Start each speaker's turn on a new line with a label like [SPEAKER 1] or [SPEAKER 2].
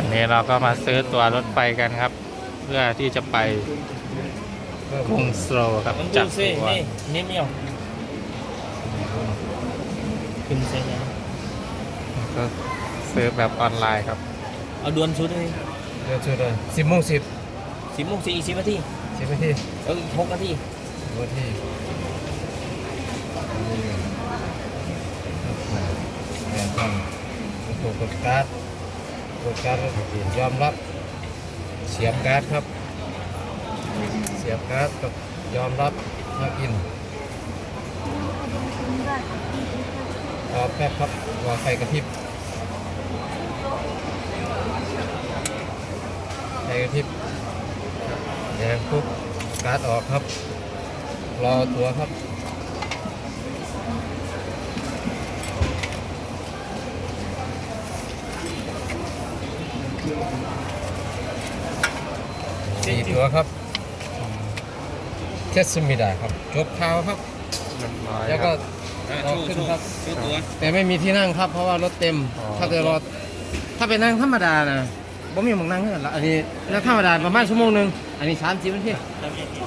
[SPEAKER 1] นี่เราก็มาซื้อตั๋วรถไฟกันครับ เพื่อที่จะไปกรุงโซลครับจากตัว
[SPEAKER 2] นี่ไม่เอาขึ้นเส้นยัง
[SPEAKER 1] ก็ซื้อแบบออนไลน์ครับ
[SPEAKER 2] เอาดวนชุดเลย
[SPEAKER 3] เดี๋ยวช่วยเลย10:10
[SPEAKER 2] 10 โมง 40 นาที
[SPEAKER 3] 10 นาที
[SPEAKER 2] 6 นาที
[SPEAKER 3] 10 นาทีแอนทำถูกกดการ์ดยอมรับเสียบการ์ดครับเสียบการ์ดกับยอมรับล็อกอินรอแป๊บครับรอไฟกระพริบแดงปุ๊บการ์ดออกครับรอตัวครับ4 ตัวครับเทสมิดาครับจบข่าวครับ
[SPEAKER 1] เรียบร้อย
[SPEAKER 3] แล้ว
[SPEAKER 1] ค
[SPEAKER 3] ก็
[SPEAKER 1] รับ
[SPEAKER 3] รอขึ้นครับ
[SPEAKER 2] ชุดตัว
[SPEAKER 3] แต่ไม่มีที่นั่งครับเพราะว่ารถเต็ม
[SPEAKER 1] อ๋อ
[SPEAKER 3] ถ้าจะรอถ้าไปนั่งธรรมดานะบ่มีหมองนั่งเท่านั้นละอันนี้นั่งธรรมดาประมาณชั่วโมงหนึงอันนี้30 นาที